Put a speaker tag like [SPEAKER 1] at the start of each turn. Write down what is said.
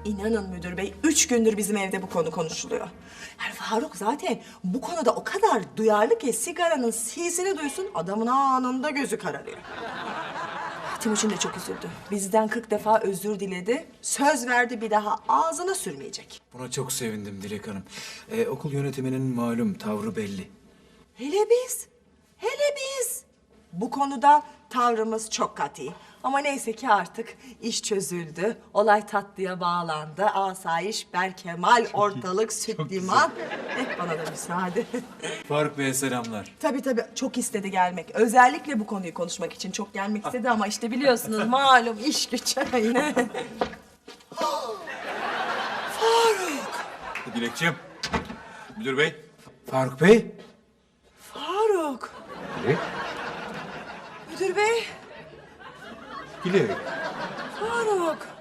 [SPEAKER 1] İnanın müdür bey, 3 gündür bizim evde bu konu konuşuluyor. Yani Faruk zaten bu konuda o kadar duyarlı ki sigaranın sisini duysun adamın anında gözü kararıyor. Timuçin de çok üzüldü. Bizden 40 defa özür diledi. Söz verdi bir daha ağzına sürmeyecek.
[SPEAKER 2] Buna çok sevindim Dilek Hanım. Okul yönetiminin malum tavrı belli.
[SPEAKER 1] Hele biz. Bu konuda tavrımız çok katı. Ama neyse ki artık iş çözüldü. Olay tatlıya bağlandı. Asayiş, berkemal, ortalık, süt liman. Bana da müsaade.
[SPEAKER 2] Faruk Bey'e selamlar.
[SPEAKER 1] Tabii çok istedi gelmek. Özellikle bu konuyu konuşmak için çok gelmek istedi ama işte biliyorsunuz malum iş güç yine.
[SPEAKER 2] Dilekçim. Müdür Bey. Faruk Bey.
[SPEAKER 1] Faruk.
[SPEAKER 2] Dilek.
[SPEAKER 1] Müdür bey.
[SPEAKER 2] Dilek.
[SPEAKER 1] Faruk.